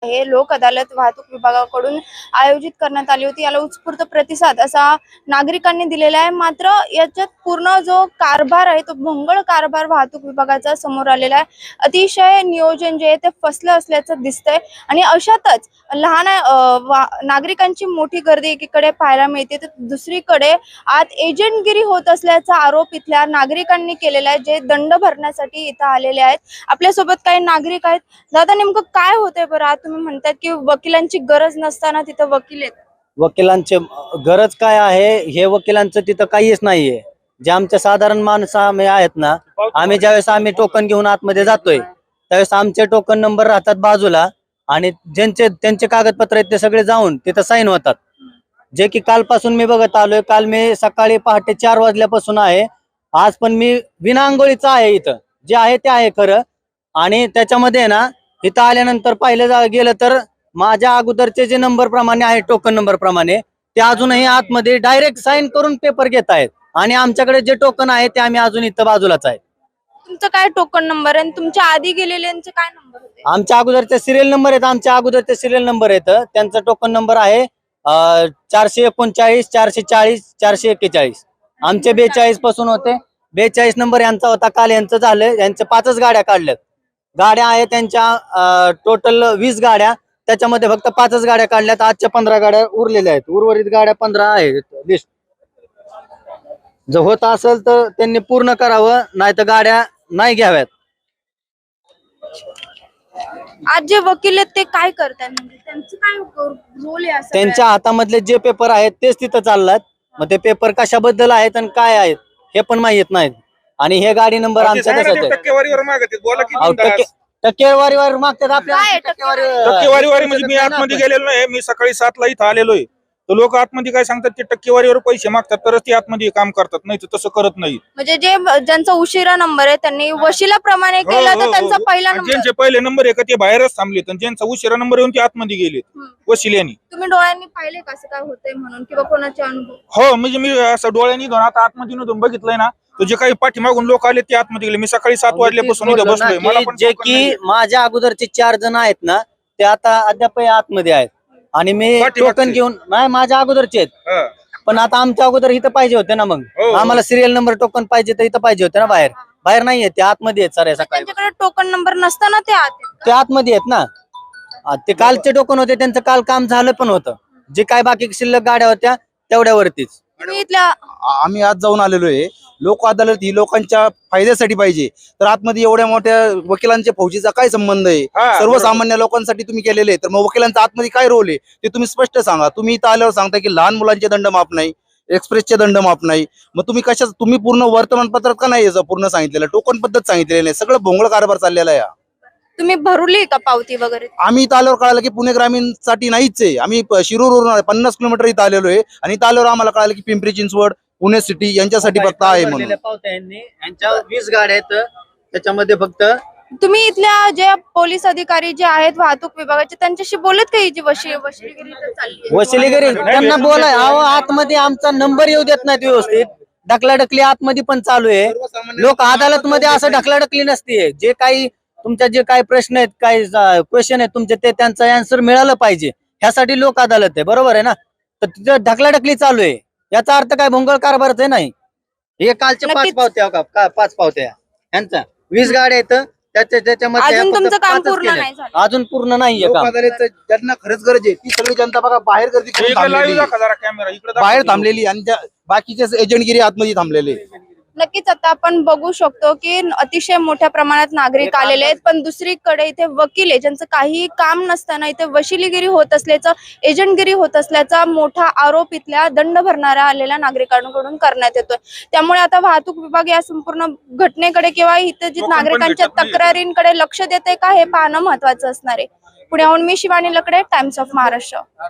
हे लोक अदालत वाहतूक विभागाकडून आयोजित करण्यात आली होती। याला उत्स्फूर्त प्रतिसाद असा नागरिकांनी दिलेला आहे। मात्र याच्यात पूर्ण जो कारभार आहे तो भोंगळ कारभार वाहतूक विभागाचा समोर आलेला आहे। अतिशय नियोजन जे आहे ते फसलं असल्याचं दिसतंय आणि अशातच लहान नागरिकांची मोठी गर्दी एकीकडे पाहायला मिळते तर दुसरीकडे आत एजंटगिरी होत असल्याचा आरोप इथल्या नागरिकांनी केलेला आहे, जे दंड भरण्यासाठी इथं आलेले आहेत। आपल्यासोबत काही नागरिक आहेत। दादा, नेमकं काय होतंय बरं? आज तुम्ही म्हणतात की वकिलांची गरज नसताना तिथं वकील आहेत। वकिलांची गरज काय आहे? हे वकिलांचं तिथं काहीच नाहीये। जे आमच्या साधारण माणसं आम्ही आहेत ना, आम्ही ज्यावेळेस टोकन घेऊन आतमध्ये जातोय त्यावेळेस आमचे टोकन नंबर राहतात बाजूला आणि त्यांचे कागदपत्र आहेत ते सगळे जाऊन तिथं साईन होतात। जे की कालपासून मी बघत आलोय। काल मी सकाळी पहाटे 4 वाजल्यापासून आहे। आज पण मी विना अंघोळीचा आहे। इथं जे आहे ते आहे खरं। आणि त्याच्यामध्ये ना इथं आल्यानंतर पाहिलं गेलं तर माझ्या अगोदरचे जे नंबर प्रमाणे आहे टोकन नंबर प्रमाणे ते अजूनही आतमध्ये डायरेक्ट साईन करून पेपर घेत आहेत आणि आमच्याकडे जे टोकन आहे ते आम्ही अजून इथं बाजूलाच आहे। तुमचं काय टोकन नंबर आहे? तुमच्या आधी गेलेल्यांचे काय नंबर होते? आमच्या अगोदरचे सिरियल नंबर आहेत। आमच्या अगोदरचे सिरियल नंबर आहेत। त्यांचा टोकन नंबर आहे 439, 440, 441। आमचे 42 पासून होते। 42 नंबर यांचा होता। काल यांचं झालं। यांचे 5च गाड्या काढल्यात। गाड्या आहेत त्यांच्या टोटल 20 गाड्या, त्याच्यामध्ये फक्त 5च गाड्या काढल्यात। आजच्या 15 गाड्या उरलेल्या आहेत। उर्वरित गाड्या 15 आहेत लिस्ट। जर होत असेल तर त्यांनी पूर्ण करावं, नाही तर गाड्या नाही घ्याव्यात। आज जे वकील आहेत ते काय करतात? म्हणजे त्यांचं काय रोल आहे? त्यांच्या हातामधले जे पेपर आहेत तेच तिथं चाललात। मग ते पेपर कशाबद्दल आहेत आणि काय आहेत हे पण माहित नाहीत। आणि हे गाडी नंबर आमच्या टक्केवारीवर मागतात, बोला की टक्केवारीवर मागतात आपल्याला। टक्केवारीवर म्हणजे मी आतमध्ये गेलेलो नाही। मी सकाळी 7ला इथं आलेलो आहे। तर लोक आतमध्ये काय सांगतात ते टक्केवारीवर पैसे मागतात तरच ते आतमध्ये काम करतात, नाही तर तसं करत नाही। म्हणजे ज्यांचा उशिरा नंबर आहे त्यांनी वशिलाप्रमाणे केलं तर त्यांचा पहिला नंबर, ज्यांचे पहिले नंबर आहे का ते बाहेरच थांबले, तर ज्यांचा उशिरा नंबर येऊन ते आतमध्ये गेले वशिल्यानी। तुम्ही डोळ्यांनी पाहिले कसं काय होतंय म्हणून किंवा कोणाचे अनुभव? हो, म्हणजे मी असं डोळ्यांनी घेऊन आता आतमध्ये नव्हतं बघितलंय ना, तर जे काही पाठीमागून लोक आले ते आतमध्ये गेले। मी सकाळी 7 वाजल्यापासून इथं बसलोय। मला पण जे की माझ्या अगोदरचे 4 जण आहेत ना ते आता अद्याप आतमध्ये आहेत आणि मी टोकन घेऊन नाही, माझ्या अगोदरचे आहेत। पण आता आमच्या अगोदर इथं पाहिजे होते ना, मग आम्हाला सिरियल नंबर टोकन पाहिजे तर इथं पाहिजे होते ना। बाहेर नाहीये ते, आतमध्ये आहेत सर। त्यांच्याकडे टोकन नंबर नसताना ते आतमध्ये आहेत ना। ते कालचे टोकन होते, त्यांचं काल काम झालं पण होतं। जे काय बाकी शिल्लक गाड्या होत्या तेवढ्यावरतीच आम्ही आज जाऊन आलेलो आहे। लोक अदालत ही लोकांच्या फायद्यासाठी पाहिजे, तर आतमध्ये एवढ्या मोठ्या वकिलांच्या फौजीचा काय संबंध आहे? सर्वसामान्य लोकांसाठी तुम्ही केलेले, तर मग वकिलांचा आतमध्ये काय रोल आहे ते तुम्ही स्पष्ट सांगा। तुम्ही इथं आल्यावर सांगता की लहान मुलांचे दंड माफ नाही, एक्सप्रेसचे दंड माफ नाही। मग तुम्ही तुम्ही पूर्ण वर्तमानपत्रात का नाही याचं पूर्ण सांगितलेलं? टोकन पद्धत सांगितलेली नाही, सगळं भोंगळ कारभार चाललेला आहे। तुम्ही भरली का पावती वगैरे? आम्ही इथं आल्यावर कळालं की पुणे ग्रामीण साठी नाहीच आहे। आम्ही शिरूरवरून 50 किलोमीटर इथं आलेलो आहे आणि इथं आल्यावर आम्हाला कळालं की पिंपरी चिंचवड, पुणे सिटी यांच्यासाठी फक्त आहे म्हणून। यांच्या 20 गाड्या आहेत, त्याच्यामध्ये फक्त तुम्ही इथल्या जे पोलीस अधिकारी जे आहेत वाहतूक विभागाचे त्यांच्याशी बोलत का? ही जी वशिलीगिरी चालली वशिलीगिरी त्यांना बोलाय आतमध्ये आमचा नंबर येऊ देत नाहीत व्यवस्थित। ढकलाढकली आतमध्ये पण चालू आहे। लोक अदालत मध्ये असं ढकलाढकली नसते। जे काही तुमच्या जे काही प्रश्न आहेत, काही क्वेश्चन आहेत तुमचे, ते त्यांचं आन्सर मिळालं पाहिजे ह्यासाठी लोक अदालत आहे, बरोबर आहे ना? तर तिथं ढकलाढकली चालू आहे, याचा अर्थ काय भोंगळ कारभारच आहे नाही? हे कालचे 5 पावत्या का 5 पावत्या ह्यांचा 20 गाड्या आहेत, त्याच्यामध्ये अजून पूर्ण नाहीये काम। ज्यांना खरंच गरज आहे ती सगळी जनता बघा बाहेर गर्दी बाहेर थांबलेली आणि बाकीचे एजंटगिरी आतमध्ये थांबलेले। नक्कीच आता आपण बघू शकतो की अतिशय मोठ्या प्रमाणात नागरिक आलेले आहेत, पण दुसरीकडे इथे वकील आहे ज्यांचं काही काम नसताना इथे वशिलीगिरी होत असल्याचं, एजंटगिरी होत असल्याचा मोठा आरोप इथल्या दंड भरणाऱ्या आलेल्या नागरिकांकडून करण्यात येतोय। त्यामुळे आता वाहतूक विभाग या संपूर्ण घटनेकडे किंवा इथे जी नागरिकांच्या तक्रारींकडे लक्ष देते का हे पाहणं महत्वाचं असणार आहे। पुण्याहून मी शिवानी लकडे, टाइम्स ऑफ महाराष्ट्र।